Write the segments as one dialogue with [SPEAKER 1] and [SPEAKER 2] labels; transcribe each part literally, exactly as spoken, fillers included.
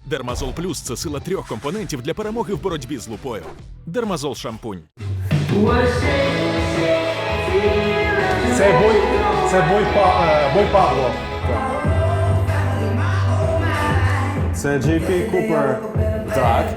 [SPEAKER 1] Дермазол Плюс – це сила трьох компонентів для перемоги в боротьбі з лупою. Дермазол шампунь.
[SPEAKER 2] Це бой, це бой, па, е, бой Пабло.
[SPEAKER 3] Це Джей Пі Купер.
[SPEAKER 2] Так.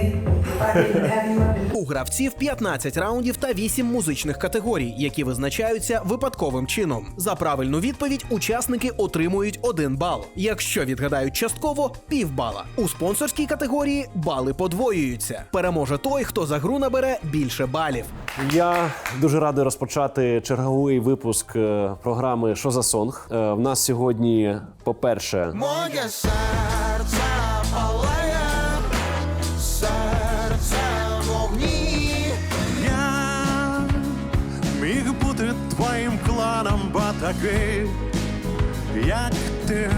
[SPEAKER 4] У гравців п'ятнадцять раундів та вісім музичних категорій, які визначаються випадковим чином. За правильну відповідь учасники отримують один бал. Якщо відгадають частково – півбала. У спонсорській категорії бали подвоюються. Переможе той, хто за гру набере більше балів.
[SPEAKER 3] Я дуже радий розпочати черговий випуск е, програми «Що за сонг?». Е, В нас сьогодні, по-перше,
[SPEAKER 5] Моє серце палає, серце в вогні. Я міг бути твоїм кланом, бо такий, як ти.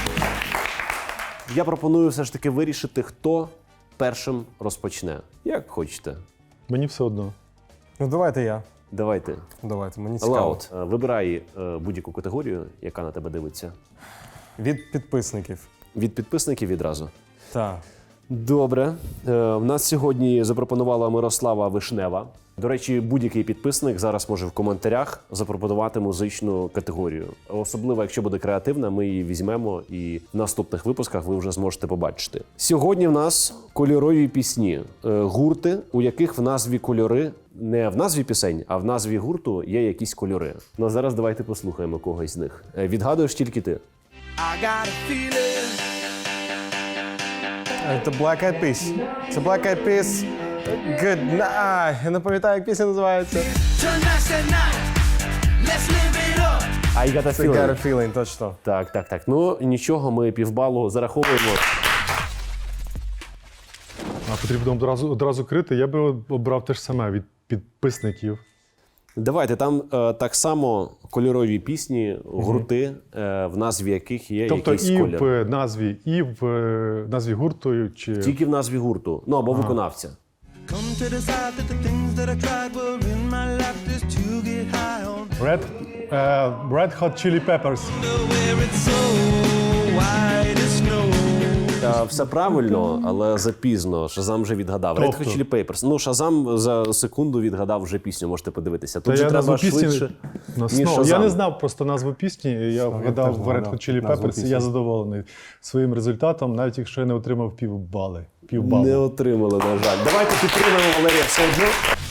[SPEAKER 3] я пропоную все ж таки вирішити, хто першим розпочне. Як хочете.
[SPEAKER 2] Мені все одно.
[SPEAKER 6] Ну давайте я.
[SPEAKER 3] Давайте.
[SPEAKER 6] Давайте, мені цікаво.
[SPEAKER 3] Лаут, е, вибирай е, будь-яку категорію, яка на тебе дивиться.
[SPEAKER 6] Від підписників.
[SPEAKER 3] Від підписників відразу.
[SPEAKER 6] Так.
[SPEAKER 3] Добре. Е, В нас сьогодні запропонувала Мирослава Вишнева. До речі, будь-який підписник зараз може в коментарях запропонувати музичну категорію. Особливо, якщо буде креативна, ми її візьмемо і в наступних випусках ви вже зможете побачити. Сьогодні в нас кольорові пісні. Е, Гурти, у яких в назві кольори, не в назві пісень, а в назві гурту є якісь кольори. Ну а зараз давайте послухаємо когось з них. Е, Відгадуєш тільки ти.
[SPEAKER 5] I got a feeling.
[SPEAKER 6] Це Black Eyed Peas. Це Black Eyed Peas. Good night. Я не пам'ятаю, як пісня називається.
[SPEAKER 5] Tonight's the night. Let's live it up.
[SPEAKER 3] I got a
[SPEAKER 6] Це
[SPEAKER 3] feeling.
[SPEAKER 6] Got a Feeling, точно.
[SPEAKER 3] Так, так, так. Ну нічого, ми півбалу зараховуємо.
[SPEAKER 2] А потрібно одразу, одразу крити. Я би обрав те ж саме від підписників.
[SPEAKER 3] Давайте, там е, так само кольорові пісні, гурти, е, в назві яких є
[SPEAKER 2] Тобто
[SPEAKER 3] якийсь
[SPEAKER 2] і
[SPEAKER 3] колір.
[SPEAKER 2] в е, назві, і в е, назві гурту, чи...
[SPEAKER 3] Тільки в назві гурту, ну або виконавця.
[SPEAKER 5] Come to decide that the things that I tried were in my life just to get high on.
[SPEAKER 2] Red, е, Red Hot Chili Peppers.
[SPEAKER 5] Where it's so white as snow.
[SPEAKER 3] Е, все правильно, але запізно. Шазам вже відгадав. Red
[SPEAKER 2] Тобто?
[SPEAKER 3] Hot Chili Peppers. Ну, Шазам за секунду відгадав вже пісню, можете подивитися. Тут
[SPEAKER 2] Та
[SPEAKER 3] же
[SPEAKER 2] я
[SPEAKER 3] треба
[SPEAKER 2] назву пісні...
[SPEAKER 3] швидше,
[SPEAKER 2] Ну,
[SPEAKER 3] ніж
[SPEAKER 2] ну, я
[SPEAKER 3] Шазам.
[SPEAKER 2] не знав просто назву пісні, і я вгадав
[SPEAKER 6] теж
[SPEAKER 2] в Red
[SPEAKER 6] вгадав
[SPEAKER 2] Hot Chili
[SPEAKER 6] назву
[SPEAKER 2] Peppers, і
[SPEAKER 6] пісні.
[SPEAKER 2] я задоволений своїм результатом, навіть якщо я не отримав півбали. Півбалу.
[SPEAKER 3] Не отримали, на жаль. Давайте підтримаємо Валерія все одно.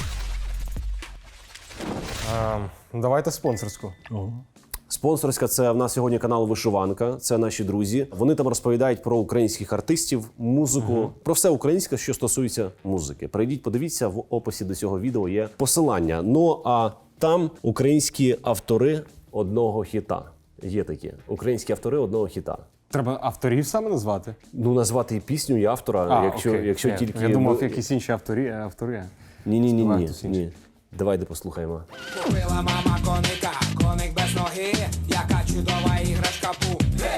[SPEAKER 6] А, давайте спонсорську.
[SPEAKER 3] Спонсорська – це в нас сьогодні канал Вишиванка, це наші друзі. Вони там розповідають про українських артистів, музику, uh-huh. про все українське, що стосується музики. Прийдіть, подивіться, в описі до цього відео є посилання. Ну, а там українські автори одного хіта. Є такі. Українські автори одного хіта.
[SPEAKER 6] Треба авторів саме назвати?
[SPEAKER 3] Ну, назвати і пісню, і автора,
[SPEAKER 6] А,
[SPEAKER 3] якщо,
[SPEAKER 6] окей.
[SPEAKER 3] якщо
[SPEAKER 6] я,
[SPEAKER 3] тільки...
[SPEAKER 6] Я думав, якісь інші авторі. автори.
[SPEAKER 3] Ні-ні-ні,
[SPEAKER 6] Співає
[SPEAKER 3] ні,
[SPEAKER 6] хтось інший.
[SPEAKER 3] ні. Давайте послухаємо.
[SPEAKER 7] Купила мама коника, коник без ноги, яка чудова іграшка пу.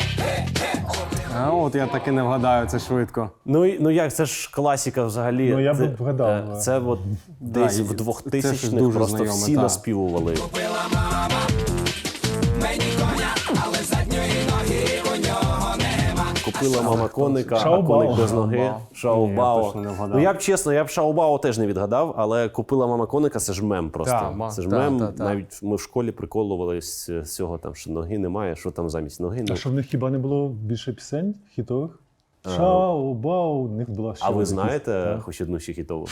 [SPEAKER 6] А от я таки не вгадаю, це швидко.
[SPEAKER 3] Ну, і- ну як, це ж класика взагалі.
[SPEAKER 2] Ну, я б
[SPEAKER 3] Це-
[SPEAKER 2] вгадав.
[SPEAKER 3] е, Це от десь
[SPEAKER 6] і
[SPEAKER 3] в
[SPEAKER 6] це щось
[SPEAKER 3] двохтисячних
[SPEAKER 6] дуже
[SPEAKER 3] просто
[SPEAKER 6] знайоме,
[SPEAKER 3] всі
[SPEAKER 6] та.
[SPEAKER 3] наспівували.
[SPEAKER 7] Купила мама мені коня, але задньої ноги у нього нема.
[SPEAKER 3] Купила мама коника, а
[SPEAKER 2] Шао-бао.
[SPEAKER 3] коник без ноги.
[SPEAKER 6] Ні, я
[SPEAKER 3] Шао-бао.
[SPEAKER 6] точно не вгадав.
[SPEAKER 3] Ну я б чесно, я б Шао-бао теж не відгадав, але купила мама коника, це ж мем просто.
[SPEAKER 6] Та, ма-
[SPEAKER 3] це ж
[SPEAKER 6] та,
[SPEAKER 3] мем.
[SPEAKER 6] та, та.
[SPEAKER 3] Навіть ми в школі приколувались з цього, там, що ноги немає, що там замість ноги.
[SPEAKER 2] А
[SPEAKER 3] Ну,
[SPEAKER 2] що в них хіба не було більше пісень хітових? Шау, бау, у них була ще.
[SPEAKER 3] а ви
[SPEAKER 2] якісь,
[SPEAKER 3] знаєте
[SPEAKER 2] так.
[SPEAKER 3] хоч одну ще хітову?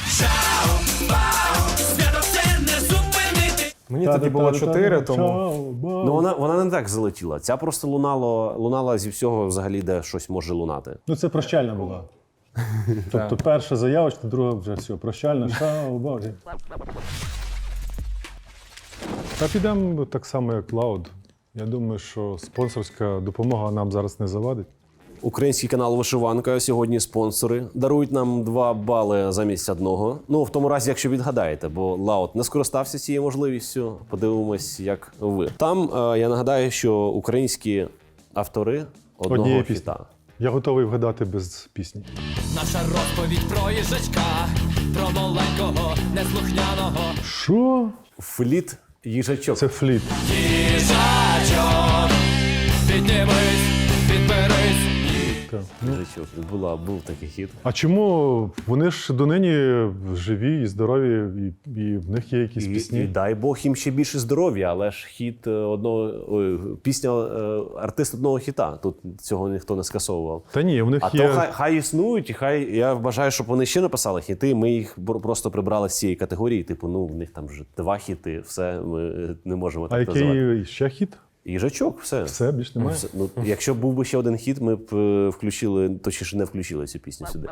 [SPEAKER 7] Свято це не зупинити.
[SPEAKER 6] Мені тоді було чотири, тому...
[SPEAKER 2] Шау, бау.
[SPEAKER 3] Ну вона, вона не так залетіла. Ця просто лунало, лунала зі всього взагалі, де щось може лунати.
[SPEAKER 2] Ну, це прощальна була. Тобто перша заявочка, друга вже все, прощальна, шау, бау. Та підемо так само, як Loud. Я думаю, що спонсорська допомога нам зараз не завадить.
[SPEAKER 3] Український канал Вишиванка, сьогодні спонсори, дарують нам два бали замість одного. Ну, в тому разі, якщо відгадаєте, бо Лаут не скористався цією можливістю. Подивимось, як ви. Там, е, я нагадаю, що українські автори одного
[SPEAKER 2] Однієї
[SPEAKER 3] хіта.
[SPEAKER 2] пісні. Я готовий вгадати без пісні.
[SPEAKER 7] Наша розповідь про їжачка, про маленького, неслухняного.
[SPEAKER 2] Що?
[SPEAKER 3] Фліт їжачок.
[SPEAKER 2] Це фліт.
[SPEAKER 7] Їжачок, піднімись, підберись.
[SPEAKER 2] Так. Ну,
[SPEAKER 3] Їжачок. Була, був такий хіт.
[SPEAKER 2] а чому вони ж донині живі і здорові, і, і в них є якісь
[SPEAKER 3] І,
[SPEAKER 2] пісні?
[SPEAKER 3] і дай Бог їм ще більше здоров'я, але ж хіт е, одного ой, пісня е, артист одного хіта. Тут цього ніхто не скасовував.
[SPEAKER 2] Та ні, в них
[SPEAKER 3] А
[SPEAKER 2] є.
[SPEAKER 3] то хай, хай існують, і хай я вважаю, щоб вони ще написали хіти. Ми їх бр- просто прибрали з цієї категорії. Типу, ну в них там вже два хіти, все ми е, не можемо
[SPEAKER 2] А
[SPEAKER 3] так називати.
[SPEAKER 2] який ще хіт?
[SPEAKER 3] Їжачок, все.
[SPEAKER 2] Все, більш немає.
[SPEAKER 3] Все. Ну, якщо б був би ще один хіт, ми б е, включили, точніше не включили цю пісню сюди.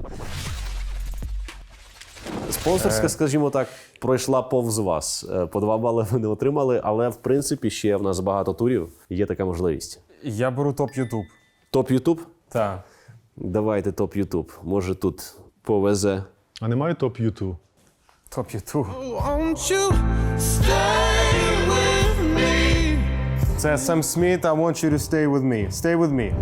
[SPEAKER 3] Спонсорська, скажімо так, пройшла повз вас. Е, По два бали ви не отримали, але в принципі ще в нас багато турів. Є така можливість.
[SPEAKER 6] Я беру топ Ютуб.
[SPEAKER 3] Топ Ютуб?
[SPEAKER 6] Так.
[SPEAKER 3] Давайте топ Ютуб. Може тут повезе.
[SPEAKER 2] А немає топ Юту?
[SPEAKER 6] Топ Ютуб.
[SPEAKER 5] Won't you stay with me?
[SPEAKER 6] Це Сем Сміт, I want you to stay with me. Stay with me.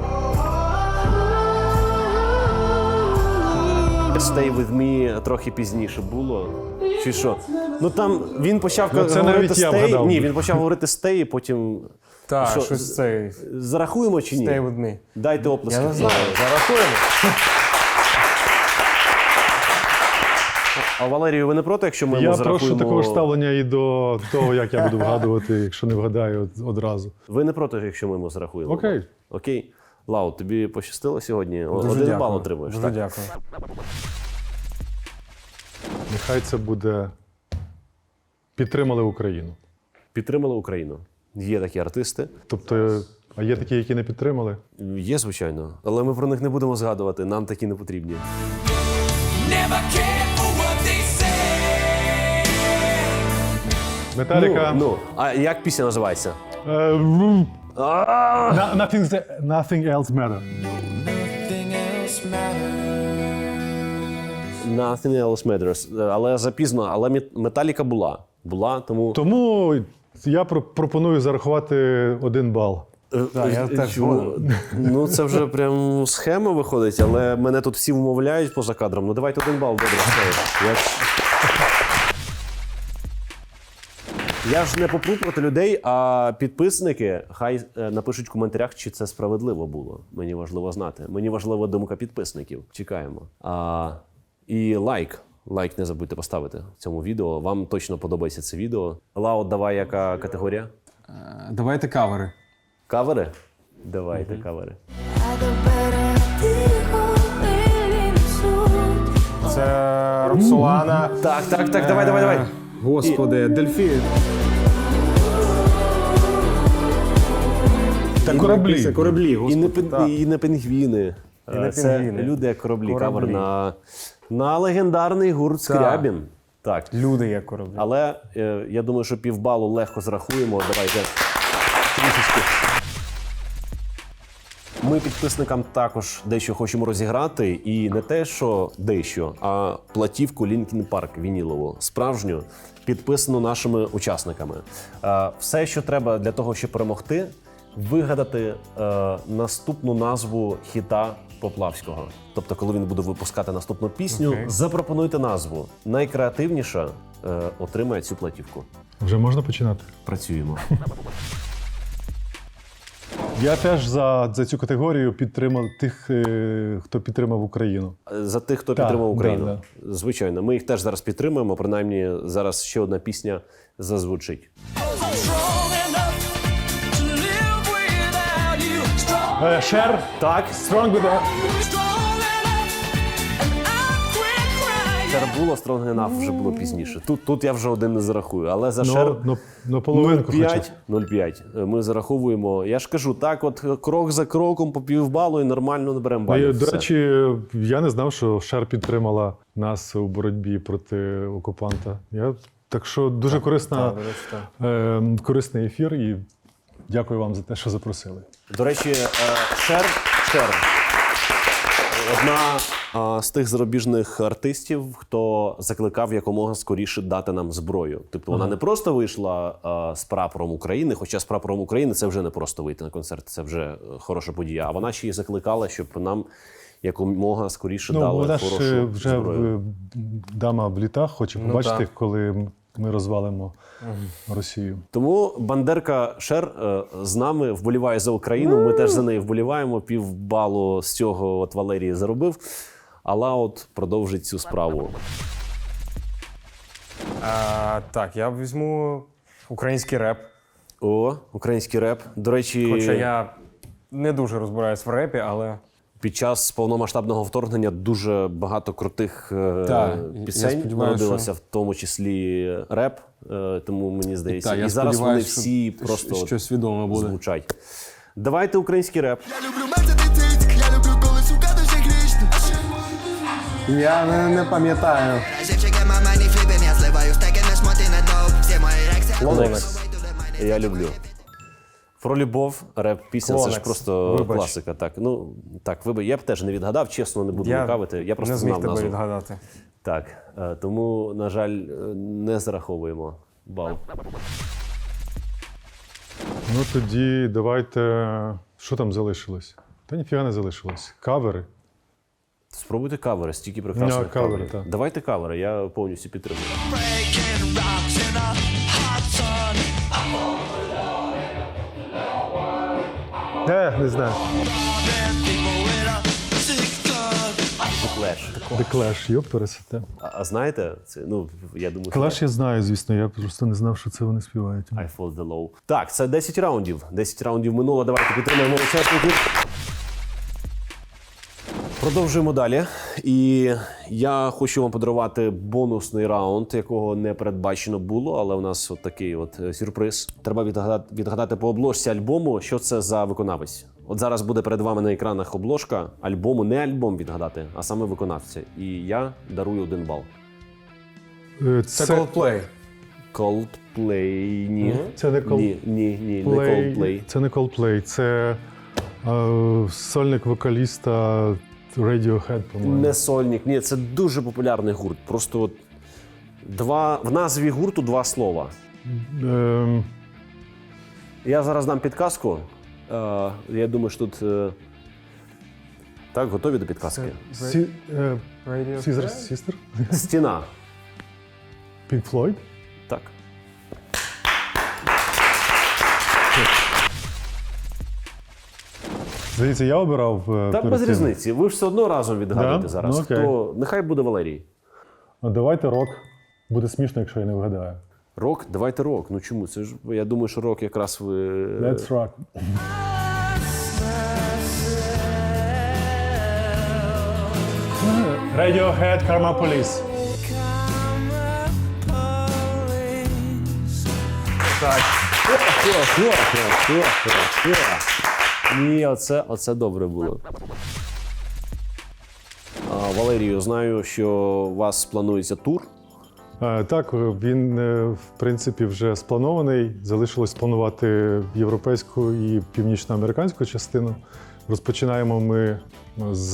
[SPEAKER 3] Stay with me трохи пізніше було. Чи що? Ну там він почав
[SPEAKER 2] Ну, це
[SPEAKER 3] говорити
[SPEAKER 2] навіть я
[SPEAKER 3] stay.
[SPEAKER 2] вгадав
[SPEAKER 3] Ні,
[SPEAKER 2] би.
[SPEAKER 3] він почав говорити stay, потім.
[SPEAKER 6] Так,
[SPEAKER 3] Що,
[SPEAKER 6] щось цей.
[SPEAKER 3] Зарахуємо чи ні?
[SPEAKER 6] Stay with me.
[SPEAKER 3] Дайте оплески.
[SPEAKER 6] Я не знаю, зарахуємо.
[SPEAKER 3] А Валерію, ви не проти, якщо ми
[SPEAKER 2] Я
[SPEAKER 3] йому
[SPEAKER 2] прошу
[SPEAKER 3] зарахуємо?
[SPEAKER 2] такого ж ставлення і до того, як я буду вгадувати, якщо не вгадаю од- одразу.
[SPEAKER 3] Ви не проти, якщо ми йому зарахуємо?
[SPEAKER 2] Окей.
[SPEAKER 3] Окей. Лау, тобі пощастило сьогодні? О-
[SPEAKER 6] Дуже
[SPEAKER 3] Один
[SPEAKER 6] дякую.
[SPEAKER 3] бал отримуєш.
[SPEAKER 6] Дуже
[SPEAKER 3] так?
[SPEAKER 6] дякую.
[SPEAKER 2] Нехай це буде підтримали Україну.
[SPEAKER 3] Підтримали Україну. Є такі артисти.
[SPEAKER 2] Тобто, а є такі, які не підтримали?
[SPEAKER 3] Є, звичайно. Але ми про них не будемо згадувати. Нам такі не потрібні.
[SPEAKER 7] Never care for what they say.
[SPEAKER 2] Металіка.
[SPEAKER 3] Ну, ну, а як пісня називається?
[SPEAKER 2] Е, м, на- Nothing, nothing else matter.
[SPEAKER 7] Nothing else matters.
[SPEAKER 3] Nothing else matters. Але запізно, але Мет- Металіка була. Була, тому...
[SPEAKER 2] Тому я про- пропоную зарахувати один бал.
[SPEAKER 6] Так, я теж згоден.
[SPEAKER 3] Ну, це вже прям схема виходить, але мене тут всі вмовляють поза кадром. Ну, давайте один бал, добре. все. Я... Я ж не попру проти людей, а підписники хай е, напишуть в коментарях, чи це справедливо було. Мені важливо знати. Мені важлива думка підписників. Чекаємо. А, і лайк. Лайк не забудьте поставити цьому відео. Вам точно подобається це відео. Лао, давай яка категорія?
[SPEAKER 6] Давайте кавери.
[SPEAKER 3] Кавери? Давайте кавери.
[SPEAKER 6] Це Роксолана.
[SPEAKER 3] Так, так, так, давай, давай, давай.
[SPEAKER 6] Господи, Дельфін.
[SPEAKER 2] Та кораблі.
[SPEAKER 6] Це кораблі,
[SPEAKER 3] І
[SPEAKER 6] господи.
[SPEAKER 3] не, пін- і не пінгвіни.
[SPEAKER 6] І не
[SPEAKER 3] Це
[SPEAKER 6] пінгвіни.
[SPEAKER 3] люди як кораблі.
[SPEAKER 6] Кораблі.
[SPEAKER 3] Кавер на, на легендарний гурт Скрябін. Так.
[SPEAKER 6] Люди як кораблі.
[SPEAKER 3] Але е, я думаю, що півбалу легко зрахуємо. Давайте трішечки. Ми підписникам також дещо хочемо розіграти. І не те, що дещо, а платівку Linkin Park вінілову, справжню, підписану нашими учасниками. Е, все, що треба для того, щоб перемогти, вигадати е, наступну назву хіта Поплавського. Тобто, коли він буде випускати наступну пісню,
[SPEAKER 6] Окей.
[SPEAKER 3] запропонуйте назву. Найкреативніша е, отримає цю платівку.
[SPEAKER 2] Вже можна починати?
[SPEAKER 3] Працюємо.
[SPEAKER 2] Я теж за, за цю категорію підтримав тих, е, хто підтримав Україну.
[SPEAKER 3] За тих, хто
[SPEAKER 2] Так,
[SPEAKER 3] підтримав Україну.
[SPEAKER 2] да,
[SPEAKER 3] Звичайно, ми їх теж зараз підтримуємо. Принаймні, зараз ще одна пісня зазвучить.
[SPEAKER 7] Strong enough to live without you. Strong,
[SPEAKER 2] Е, Шер,
[SPEAKER 3] Так,
[SPEAKER 2] Strong with a...
[SPEAKER 7] strong enough, and I quit crying.
[SPEAKER 3] Шер було, Strong Enough вже було пізніше. Тут, тут я вже один не зарахую, але за Шер
[SPEAKER 2] Ну, ну, ну, половинку хоча б.
[SPEAKER 3] нуль п'ять ми зараховуємо. Я ж кажу, так от крок за кроком по півбалу і нормально наберемо
[SPEAKER 2] Ну,
[SPEAKER 3] балів.
[SPEAKER 2] і, до
[SPEAKER 3] Все.
[SPEAKER 2] речі, я не знав, що Шер підтримала нас у боротьбі проти окупанта. Я, так що дуже корисна,
[SPEAKER 6] Так, до речі, так.
[SPEAKER 2] е, корисний ефір і дякую вам за те, що запросили.
[SPEAKER 3] До речі, е, Шер, Шер. Одна а, з тих зарубіжних артистів, хто закликав якомога скоріше дати нам зброю. Тобто вона не просто вийшла а, з прапором України, хоча з прапором України це вже не просто вийти на концерт, це вже е, хороша подія. А вона ще й закликала, щоб нам якомога скоріше
[SPEAKER 2] Ну,
[SPEAKER 3] дали
[SPEAKER 2] вона ж
[SPEAKER 3] хорошу
[SPEAKER 2] е, вже
[SPEAKER 3] зброю.
[SPEAKER 2] в- дама в літах, хоче побачити,
[SPEAKER 6] так.
[SPEAKER 2] коли ми розвалимо Росію.
[SPEAKER 3] Тому Бандерка Шер е, з нами вболіває за Україну. Ми теж за неї вболіваємо. Півбалу з цього от Валерій заробив. А Лаут продовжить цю справу.
[SPEAKER 6] А, так, я візьму український реп.
[SPEAKER 3] О, український реп. До речі,
[SPEAKER 6] Хоча я не дуже розбираюсь в репі, але
[SPEAKER 3] під час повномасштабного вторгнення дуже багато крутих е,
[SPEAKER 6] Так, я
[SPEAKER 3] пісень
[SPEAKER 6] сподіваюся,
[SPEAKER 3] народилося,
[SPEAKER 6] що-
[SPEAKER 3] в тому числі реп. Е, тому мені здається,
[SPEAKER 6] Так, я
[SPEAKER 3] і зараз вони
[SPEAKER 6] сподіваюся, що
[SPEAKER 3] всі
[SPEAKER 6] щ-
[SPEAKER 3] просто от
[SPEAKER 6] щось відоме буде.
[SPEAKER 3] звучать. Давайте український реп.
[SPEAKER 7] Я люблю мерседес, я люблю, коли сука дуже грішна.
[SPEAKER 6] я не, не пам'ятаю.
[SPEAKER 7] Живчики, мама, не фліпим, я зливаю стеки, не шмоти, не доп. Всі мої рекси.
[SPEAKER 3] Клонекс. Я люблю. Про любов, реп, пісня, це ж
[SPEAKER 6] Клонекс.
[SPEAKER 3] просто
[SPEAKER 6] Вибач.
[SPEAKER 3] класика. Так, ну так, вибач, я б теж не відгадав, чесно, не буду
[SPEAKER 6] Я
[SPEAKER 3] лукавити. Я просто
[SPEAKER 6] не зміг
[SPEAKER 3] знав
[SPEAKER 6] тебе
[SPEAKER 3] назву.
[SPEAKER 6] відгадати.
[SPEAKER 3] Так, е, тому, на жаль, е, не зараховуємо бал.
[SPEAKER 2] Ну тоді давайте. Що там залишилось? Та ніфіга не залишилось. Кавери.
[SPEAKER 3] Спробуйте кавери, стільки прекрасних
[SPEAKER 2] Ну, кавери,
[SPEAKER 3] каверів.
[SPEAKER 2] так.
[SPEAKER 3] Давайте кавери, я повністю підтримую.
[SPEAKER 7] Breaking rocks in a hot sun.
[SPEAKER 2] Е, не знаю.
[SPEAKER 7] Robbing people with a sick gun.
[SPEAKER 3] The Clash.
[SPEAKER 2] The Clash, йоп, пересете.
[SPEAKER 3] А, а знаєте, це, ну, я думаю,
[SPEAKER 2] Clash я знаю, звісно, я просто не знав, що це вони співають.
[SPEAKER 3] I fall the low. Так, це десять раундів. десять раундів минуло. Давайте підтримаємо учасників. Продовжуємо далі. І я хочу вам подарувати бонусний раунд, якого не передбачено було, але у нас от такий от е, сюрприз. Треба відгадати, відгадати по обложці альбому, що це за виконавець. От зараз буде перед вами на екранах обложка альбому, не альбом відгадати, а саме виконавця. І я дарую один бал.
[SPEAKER 2] Е,
[SPEAKER 6] Це Coldplay.
[SPEAKER 3] Coldplay, ні.
[SPEAKER 2] Це не Cold-
[SPEAKER 3] Ні, ні, ні, не
[SPEAKER 2] Play-
[SPEAKER 3] Coldplay.
[SPEAKER 2] Це не Coldplay, це е, сольник вокаліста Radiohead, по-моєму.
[SPEAKER 3] Не сольник, ні, це дуже популярний гурт. Просто от два, в назві гурту два слова.
[SPEAKER 2] Ем,
[SPEAKER 3] Я зараз дам підказку. Е, я думаю, що тут. Е, так, готові до підказки?
[SPEAKER 2] Сі, е,
[SPEAKER 6] Radio
[SPEAKER 2] Caesar
[SPEAKER 6] Square?
[SPEAKER 2] Sister?
[SPEAKER 3] Стіна.
[SPEAKER 2] Pink Floyd?
[SPEAKER 3] Так.
[SPEAKER 2] Здається, я обирав. е,
[SPEAKER 3] Та
[SPEAKER 2] перед
[SPEAKER 3] без
[SPEAKER 2] цим.
[SPEAKER 3] різниці. Ви ж все одно разом відгадуєте
[SPEAKER 2] Да?
[SPEAKER 3] зараз.
[SPEAKER 2] Ну, окей.
[SPEAKER 3] Хто? Нехай буде Валерій.
[SPEAKER 2] А давайте рок. Буде смішно, якщо я не вгадаю.
[SPEAKER 3] Рок, давайте рок. Ну чому? Це ж я думаю, що рок якраз ви.
[SPEAKER 2] Let's rock. Radiohead, Karma Police.
[SPEAKER 3] Ні, оце, оце добре було. А, Валерію, знаю, що у вас планується тур.
[SPEAKER 2] Е, Так, він е, в принципі вже спланований. Залишилось спланувати європейську і північноамериканську частину. Розпочинаємо ми з,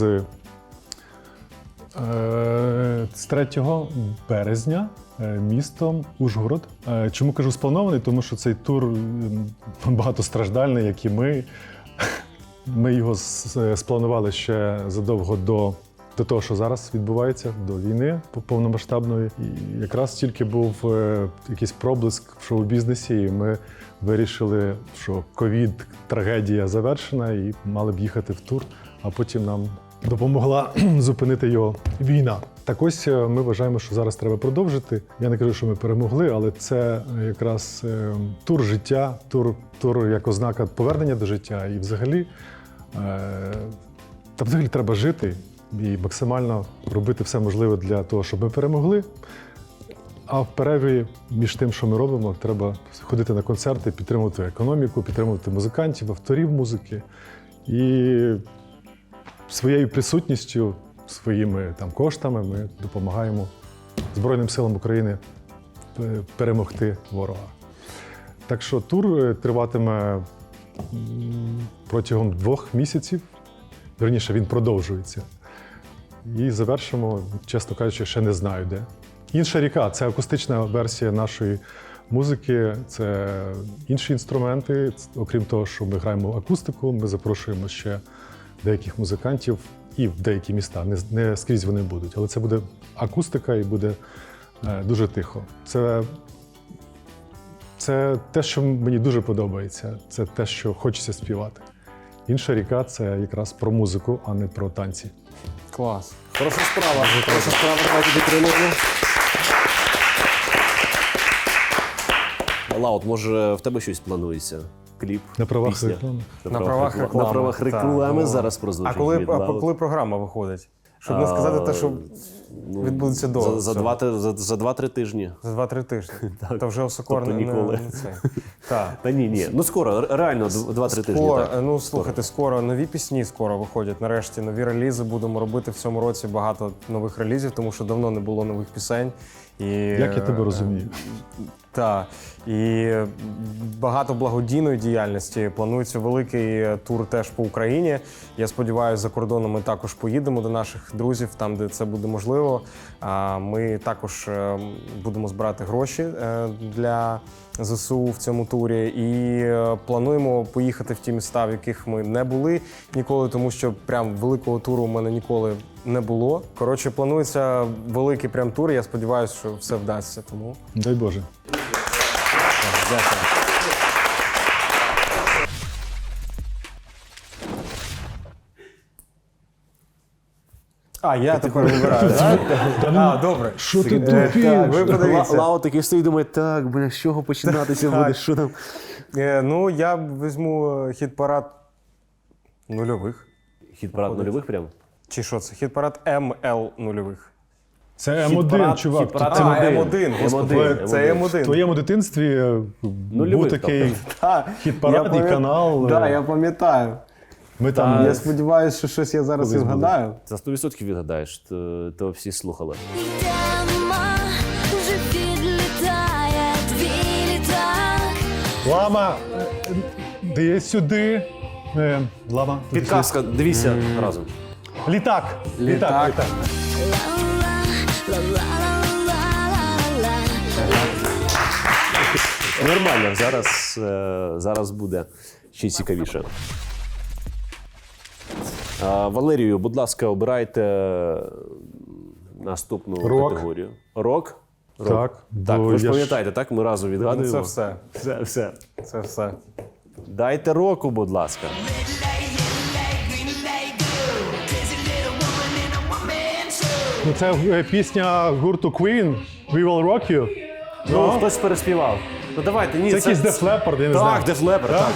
[SPEAKER 2] е, з третього березня е, містом Ужгород. Е, Чому кажу спланований? Тому що цей тур м, багатостраждальний, як і ми. Ми його с- спланували ще задовго до, до того, що зараз відбувається, до війни повномасштабної. І якраз тільки був е, якийсь проблиск в шоу-бізнесі, і ми вирішили, що ковід, трагедія завершена, і мали б їхати в тур, а потім нам допомогла зупинити його війна. Так ось е, ми вважаємо, що зараз треба продовжити. Я не кажу, що ми перемогли, але це е, якраз е, тур життя, тур, тур як ознака повернення до життя. І взагалі, е, та взагалі треба жити і максимально робити все можливе для того, щоб ми перемогли. А в перерві між тим, що ми робимо, треба ходити на концерти, підтримувати економіку, підтримувати музикантів, авторів музики. І своєю присутністю, своїми там коштами ми допомагаємо Збройним силам України е, перемогти ворога. Так що тур е, триватиме м, протягом двох місяців. Вірніше, він продовжується. І завершимо, чесно кажучи, ще не знаю де. Інша ріка це акустична версія нашої музики, це інші інструменти. Окрім того, що ми граємо акустику, ми запрошуємо ще деяких музикантів і в деякі міста. Не, не скрізь вони будуть, але це буде акустика і буде е, дуже тихо. Це, це те, що мені дуже подобається. Це те, що хочеться співати. Інша ріка це якраз про музику, а не про танці.
[SPEAKER 6] Клас.
[SPEAKER 3] Хороша справа. Хороша справа, давайте підтримуємо. Лаут, може в тебе щось планується? Кліп?
[SPEAKER 2] На правах
[SPEAKER 3] пісня?
[SPEAKER 2] реклами.
[SPEAKER 6] На правах
[SPEAKER 3] рекла-
[SPEAKER 6] реклами.
[SPEAKER 3] На правах
[SPEAKER 6] Так,
[SPEAKER 3] реклами
[SPEAKER 6] ну.
[SPEAKER 3] зараз прозвучить.
[SPEAKER 6] А коли,
[SPEAKER 3] від
[SPEAKER 6] а
[SPEAKER 3] Лаут.
[SPEAKER 6] коли програма виходить? Щоб не сказати те, що
[SPEAKER 3] Ну,
[SPEAKER 6] відбудеться до
[SPEAKER 3] За, за,
[SPEAKER 6] цього.
[SPEAKER 3] два, ти- за, за два-три тижні.
[SPEAKER 6] За два-три тижні. То вже Осокор
[SPEAKER 3] Тобто
[SPEAKER 6] не,
[SPEAKER 3] ніколи.
[SPEAKER 6] не це. Так.
[SPEAKER 3] Та ні, ні. Ну скоро, ре- реально, д- два-три тижні.
[SPEAKER 6] Скоро,
[SPEAKER 3] Так.
[SPEAKER 6] ну слухайте, скоро нові пісні скоро виходять. Нарешті нові релізи. Будемо робити в цьому році багато нових релізів, тому що давно не було нових пісень. І,
[SPEAKER 2] Як я тебе розумію?
[SPEAKER 6] Так. І багато благодійної діяльності. Планується великий тур теж по Україні. Я сподіваюся, за кордоном ми також поїдемо до наших друзів, там, де це буде можливо. А Ми також е, будемо збирати гроші е, для ЗСУ в цьому турі. І е, плануємо поїхати в ті міста, в яких ми не були ніколи, тому що прям великого туру у мене ніколи не було. Коротше, планується великий прям тур. Я сподіваюся, що все вдасться. Тому
[SPEAKER 2] Дай Боже.
[SPEAKER 6] дякую. А, я тепер вибираю, так? А, добре.
[SPEAKER 2] Що ти
[SPEAKER 6] Е,
[SPEAKER 2] тупиш?
[SPEAKER 6] Так, ви
[SPEAKER 3] Ла-
[SPEAKER 6] подивіться.
[SPEAKER 3] Лаут такий стоїть і думає, так, бля, з чого починатися
[SPEAKER 6] Так.
[SPEAKER 3] буде, що там?
[SPEAKER 6] Е, Ну, я візьму е, хіт-парад нульових.
[SPEAKER 3] Хіт-парад нульових прям?
[SPEAKER 6] Чи що це? Хіт-парад ем ел нульових.
[SPEAKER 2] Це Ем один,
[SPEAKER 3] Хіт-парад-
[SPEAKER 2] чувак.
[SPEAKER 3] хіт-парад
[SPEAKER 2] Це
[SPEAKER 6] А,
[SPEAKER 3] М1.
[SPEAKER 6] ем один, господи.
[SPEAKER 3] М1,
[SPEAKER 6] Це ем один.
[SPEAKER 2] В твоєму дитинстві е,
[SPEAKER 3] Нульових,
[SPEAKER 2] був такий
[SPEAKER 6] Так,
[SPEAKER 2] хіт-парад
[SPEAKER 6] я
[SPEAKER 2] і
[SPEAKER 6] пам'ят-
[SPEAKER 2] канал.
[SPEAKER 6] Да,
[SPEAKER 2] е,
[SPEAKER 6] я пам'ятаю.
[SPEAKER 2] Ми там
[SPEAKER 6] Я сподіваюся, що щось я зараз і
[SPEAKER 2] Колись буде.
[SPEAKER 6] вгадаю.
[SPEAKER 3] За сто відсотків відгадаєш, то, то всі слухали.
[SPEAKER 8] Йдемо, вже підлітає твій літак.
[SPEAKER 2] Лама, е, де сюди. Е, Лама.
[SPEAKER 3] Підказка, дивіться разом.
[SPEAKER 2] Літак. Літак. Літак.
[SPEAKER 8] Ла-ла-ла-ла-ла-ла-ла.
[SPEAKER 3] Нормально, зараз, е, зараз буде ще цікавіше. А, Валерію, будь ласка, обирайте наступну
[SPEAKER 2] Рок.
[SPEAKER 3] категорію. Рок? Рок.
[SPEAKER 2] Так,
[SPEAKER 3] Так,
[SPEAKER 2] бо
[SPEAKER 3] ви ж
[SPEAKER 2] я ж-
[SPEAKER 3] пам'ятаєте, так? Ми разом відгадуємо.
[SPEAKER 6] Це все.
[SPEAKER 3] Все, все.
[SPEAKER 6] Це все.
[SPEAKER 3] Дайте року, будь ласка.
[SPEAKER 2] Ну, це е, пісня гурту Queen We Will Rock You.
[SPEAKER 3] Ну, хтось переспівав. Ну давайте, ні,
[SPEAKER 2] Це якийсь Def Leppard, я не знаю.
[SPEAKER 3] Так, Def Leppard, так.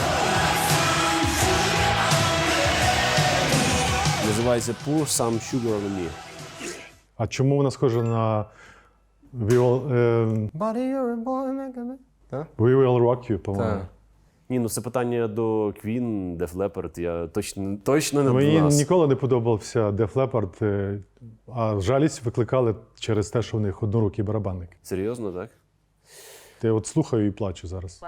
[SPEAKER 3] Називається Pour Some Sugar on Me.
[SPEAKER 2] А чому вона схожа на We Will, е,
[SPEAKER 6] Buddy, you're a boy, make a- Так?
[SPEAKER 2] We Will Rock You, по-моєму.
[SPEAKER 6] Так.
[SPEAKER 3] Ні, ну це питання до Queen, Def Leppard, я точно, точно не
[SPEAKER 2] Мені
[SPEAKER 3] до нас.
[SPEAKER 2] ніколи не подобався Def Leppard, е, а жалість викликали через те, що в них однорукий барабанник.
[SPEAKER 3] Серйозно, так?
[SPEAKER 2] Я от слухаю і плачу зараз.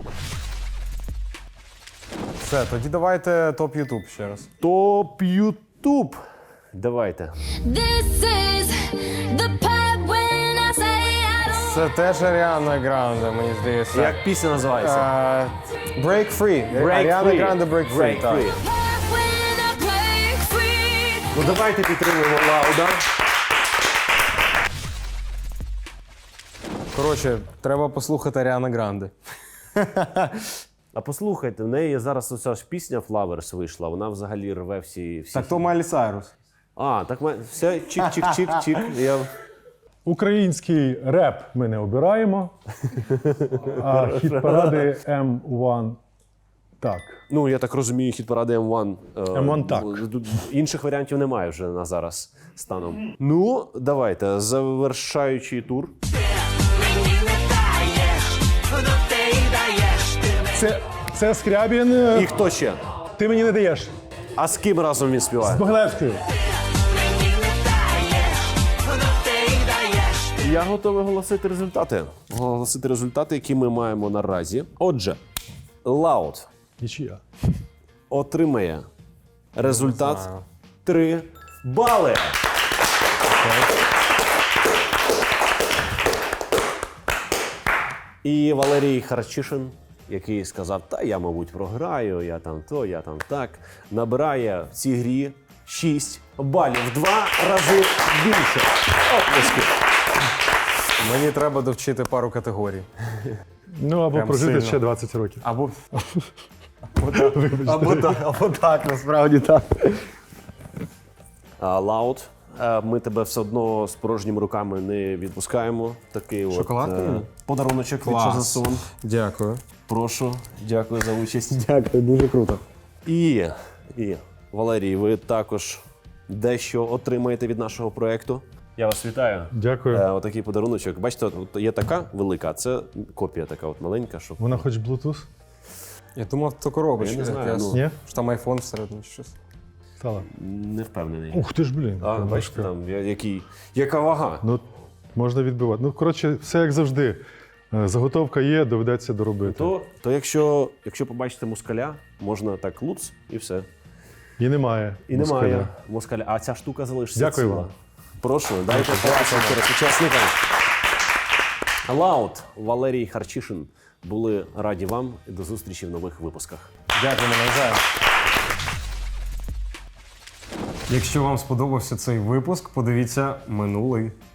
[SPEAKER 6] Все, тоді давайте топ Ютуб ще раз.
[SPEAKER 3] Топ Ютуб. Давайте.
[SPEAKER 8] This is the part when I say I don't
[SPEAKER 6] Це теж Аріана Гранде, мені здається.
[SPEAKER 3] Як пісня називається?
[SPEAKER 6] Е, Break Free.
[SPEAKER 3] Break
[SPEAKER 6] Аріана
[SPEAKER 3] Free.
[SPEAKER 6] Гранде Break Free.
[SPEAKER 3] Break
[SPEAKER 6] так.
[SPEAKER 3] Free.
[SPEAKER 8] part when I break free.
[SPEAKER 3] Ну давайте підтримуємо Лауда.
[SPEAKER 6] Коротше, треба послухати Аріана Гранде.
[SPEAKER 3] А послухайте, в неї зараз оця ж пісня Flowers вийшла, вона взагалі рве всі. всі
[SPEAKER 6] Так то Майлі Сайрус.
[SPEAKER 3] А, так ми- все, чик-чик-чик-чик. Я...
[SPEAKER 2] Український реп ми не обираємо, а хіт-паради Ем один так.
[SPEAKER 3] Ну, я так розумію, хіт-паради Ем один. е,
[SPEAKER 2] Ем один так.
[SPEAKER 3] тут Інших варіантів немає вже на зараз станом. Ну, давайте, завершаючий тур.
[SPEAKER 2] Це, це Скрябін. е,
[SPEAKER 3] І хто ще?
[SPEAKER 2] Ти мені не даєш.
[SPEAKER 3] А з ким разом він співає?
[SPEAKER 2] З Могилевською.
[SPEAKER 3] Я готовий оголосити результати. Оголосити результати, які ми маємо наразі. Отже, Лаут
[SPEAKER 2] Нічия.
[SPEAKER 3] отримає результат три бали. І Валерій Харчишин, який сказав, та я, мабуть, програю, я там то, я там так, набирає в цій грі шість балів. В два рази більше. Оплески.
[SPEAKER 6] Мені треба довчити пару категорій.
[SPEAKER 2] Ну або
[SPEAKER 6] Прям
[SPEAKER 2] прожити
[SPEAKER 6] сильно.
[SPEAKER 2] ще двадцять років.
[SPEAKER 6] Або. Або так, або так, або так, насправді так.
[SPEAKER 3] А, Лаут, е, ми тебе все одно з порожніми руками не відпускаємо. Такий от,
[SPEAKER 6] Шоколадкою?
[SPEAKER 3] е, подаруночок від
[SPEAKER 6] Клас.
[SPEAKER 3] Чазасон.
[SPEAKER 6] Дякую.
[SPEAKER 3] Прошу, дякую за участь.
[SPEAKER 6] Дякую, дуже круто.
[SPEAKER 3] І, і Валерій, ви також дещо отримаєте від нашого проекту. Я вас вітаю.
[SPEAKER 2] Дякую.
[SPEAKER 3] Е, отакий подаруночок. Бачите, от є така велика, а це копія така от маленька, щоб.
[SPEAKER 2] Вона хоч Bluetooth?
[SPEAKER 6] Я думав, то коробочка.
[SPEAKER 3] Я не знаю,
[SPEAKER 6] якась.
[SPEAKER 3] ну.
[SPEAKER 2] Ні?
[SPEAKER 6] Що там айфон всередині чи щось.
[SPEAKER 2] Стала.
[SPEAKER 3] Не впевнений.
[SPEAKER 2] Ух ти ж, блін.
[SPEAKER 3] А,
[SPEAKER 2] яка
[SPEAKER 3] бачите,
[SPEAKER 2] важка.
[SPEAKER 3] там я- який, яка вага.
[SPEAKER 2] Ну, можна відбивати. Ну, коротше, все як завжди. Е, Заготовка є, доведеться доробити.
[SPEAKER 3] То, то якщо, якщо побачите москаля, можна так луц і все.
[SPEAKER 2] І немає.
[SPEAKER 3] І
[SPEAKER 2] москаля.
[SPEAKER 3] немає москаля. А ця штука залишиться.
[SPEAKER 2] Дякую
[SPEAKER 3] ціла.
[SPEAKER 2] вам.
[SPEAKER 3] Прошу, дайте класно зараз учасникам. Лаут, Валерій Харчишин були раді вам і до зустрічі в нових випусках.
[SPEAKER 6] Дякуємо навзаєм. Якщо вам сподобався цей випуск, подивіться минулий.